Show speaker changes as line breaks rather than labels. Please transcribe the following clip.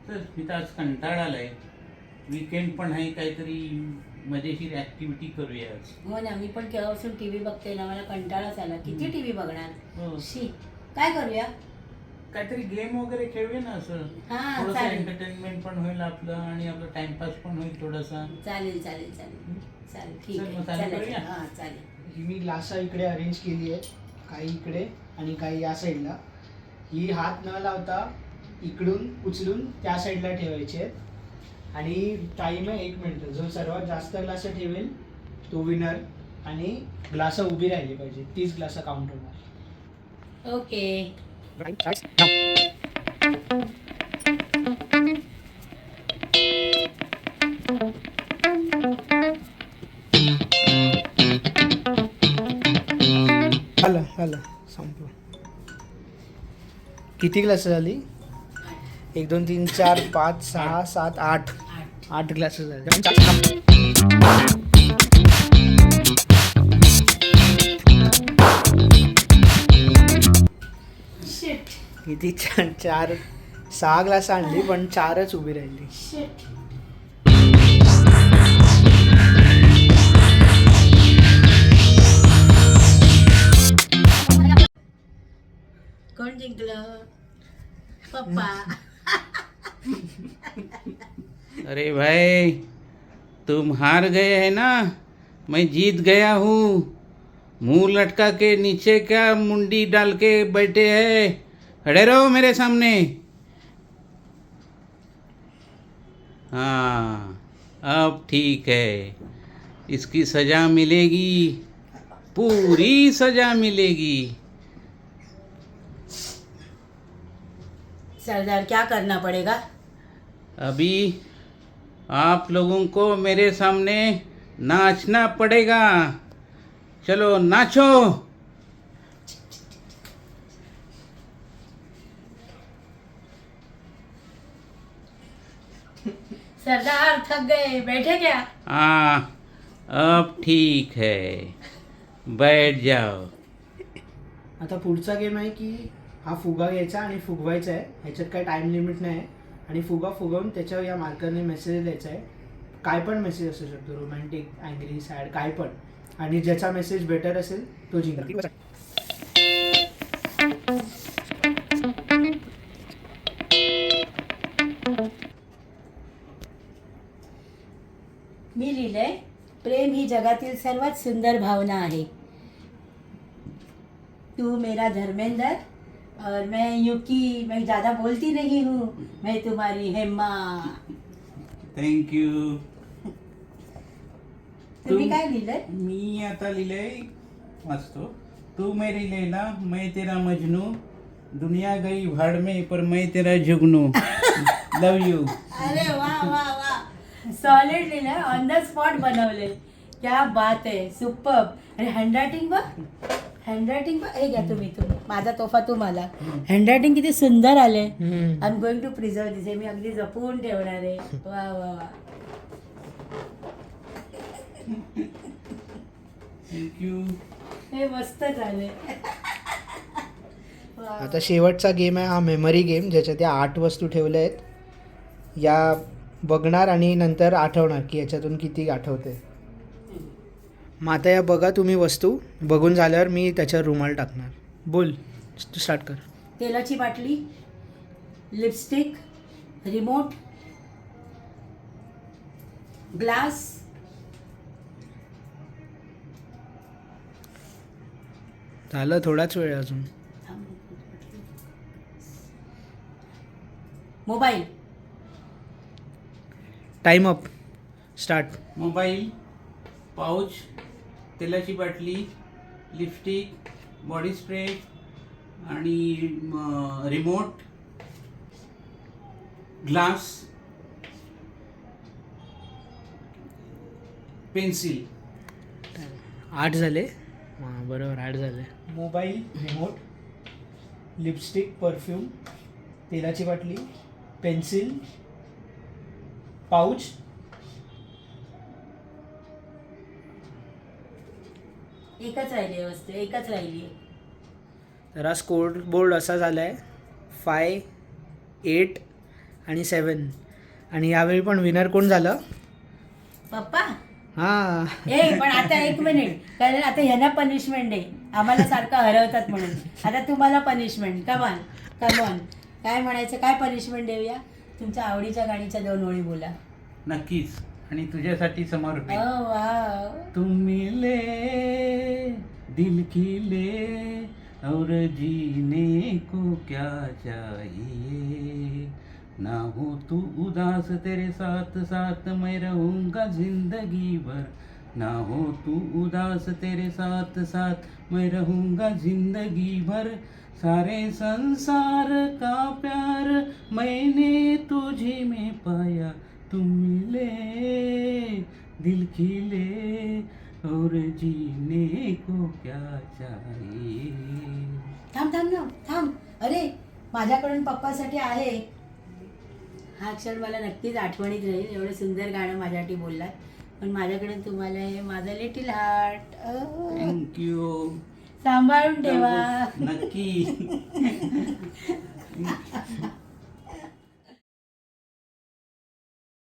तर मी तर आज कंटाळा आलाय. वीकेंड पण आहे, काहीतरी मजेशीर ऍक्टिव्हिटी करूया आज.
हो ना, मी पण केव्हापासून टीव्ही बघते ना, मला कंटाळाच आला. किती टीव्ही बघणार.
हो.
शी, काय करूया?
काहीतरी गेम वगैरे खेळूया ना, असं
हा,
थोडंसं
चालेल.
एंटरटेनमेंट पण होईल आपलं आणि आपलं टाइमपास पण होईल थोडासा.
चालेल चालेल चालेल चालेल, ठीक
चल,
आहे.
मग चालू
चला
करूया?
चला. हा, चालेल.
ही मी ग्लासा इकडे अरेंज केली आहे, काही इकडे आणि काही या साईडला. ही हात न लावता इकडून उचलून त्या साईडला ठेवायची आहेत आणि टाइम आहे 1 मिनिट. जो सर्वात जास्त ग्लास ठेवेल तो विनर आणि ग्लास उभी राहिली पाहिजे, 30 ग्लास काउंट होणार.
ओके.
झालं संपलं. किती ग्लास झाली? 1 2 3 4 5 6 7 8 8 ग्लास झाले.
शिट
किती? 4 6 ग्लास आणली पण 4च उभी राहिली.
शिट. कोण जिंकलं? पप्पा.
अरे भाई, तुम हार गए है ना, मैं जीत गया हूँ. मुंह लटका के नीचे क्या मुंडी डाल के बैठे हैं? खड़े रहो मेरे सामने. हाँ, अब ठीक है. इसकी सजा मिलेगी, पूरी सजा मिलेगी.
सरदार, क्या करना पड़ेगा?
अभी आप लोगों को मेरे सामने नाचना पड़ेगा. चलो नाचो.
सरदार थक गए, बैठे क्या?
हाँ, अब ठीक है, बैठ जाओ.
आता पुढचा गेम आहे की हा फुगा घ्यायचा आणि फुगवायचा आहे. ह्याच्यात काही टाइम लिमिट नाही आहे आणि फुगा फुगवून त्याच्यावर या मार्करने मेसेज द्यायचा आहे. काय पण मेसेज असू शकतो, रोमॅन्टिक, अँग्री, सॅड, काय पण. आणि ज्याचा मेसेज बेटर असेल तो जिंकला.
मी लिहिलंय, प्रेम ही जगातील सर्वात सुंदर भावना आहे. तू मेरा धर्मेंद्र और मैं युकी, मैं ज़्यादा बोलती नहीं हूँ, मैं तुम्हारी हेमा.
Thank you.
तुम्ही काय लिहिलंय?
मी आता लिहिलंय, वाचतो. तू मेरी लैला, मैं तेरा मजनू, दुनिया गई भाड़ में पर मैं तेरा जुगनू. Love you.
अरे वा वा वा, सॉलिड लिहिलंय, ऑन द स्पॉट बनवले. क्या बात आहे, सुपर. आणि हँडरायटिंग बघ, हँडरायटिंग बघ. हे घ्या तुम्ही, माझा तोफा तुम्हाला. हँडरायटिंग किती सुंदर आले. I am going to preserve this. मी अगदी जपून ठेवणार आहे. वा वा वा.
थँक्यू.
हे मस्त झाले.
आता शेवटचा गेम आहे हा मेमरी गेम, ज्याच्यात या 8 वस्तू ठेवल्या आहेत. या बघणार आणि नंतर आठवणार की याच्यातून किती आठवते. मग आता या बघा तुम्ही वस्तू. बघून झाल्यावर मी त्याच्यावर रुमाल टाकणार. बोल, स्टार्ट कर.
तेलाची बाटली, लिपस्टिक, रिमोट, ग्लास,
झालं, थोडाच वेळ अजून.
Mobile,
time up. Start.
Mobile, pouch, तेलाची बाटली, लिपस्टिक, बॉडी स्प्रे आणि रिमोट, ग्लास, पेन्सिल.
8 झाले. हां बरोबर, 8 झाले. मोबाईल, रिमोट, लिपस्टिक, परफ्यूम, तेलाची बाटली, पेन्सिल, पाऊच,
एकच राहिली वस्तू, एकच राहिली.
तर हा स्कोर बोर्ड असा झाला आहे 5, 8 आणि 7. आणि यावेळी पण विनर कोण झालं?
पप्पा.
हां.
पण आता 1 मिनिट, कारण आता ह्यांना पनिशमेंट आहे, आम्हाला सारखं हरवतात म्हणून. आता तुम्हाला पनिशमेंट. कमॉन कमॉन, काय म्हणायचं, काय पनिशमेंट देऊया? तुमच्या आवडीच्या गाणीच्या 2 ओळी बोला.
नक्कीच. आणि तुझ्यासाठी समर्पित.
वाव.
तुम मिले दिल खिले और जीने को क्या चाहिए, ना हो तू उदास तेरे साथ साथ मैं रहूँगा जिंदगी भर, ना हो तू उदास तेरे साथ साथ मैं रहूँगा जिंदगी भर, सारे संसार का प्यार मैंने तुझी में पाया, तुम मिले दिल खिले और जीने को क्या चाहिए.
थांब थांब थांब थांब. अरे, माझ्याकडून पप्पासाठी आहे. हा क्षण मला नक्कीच आठवणीत राहील. एवढं सुंदर गाणं माझ्यासाठी बोललात. पण माझ्याकडून तुम्हाला हे माझं लिटिल हार्ट.
थँक्यू.
सांभाळून ठेवा.
नक्की.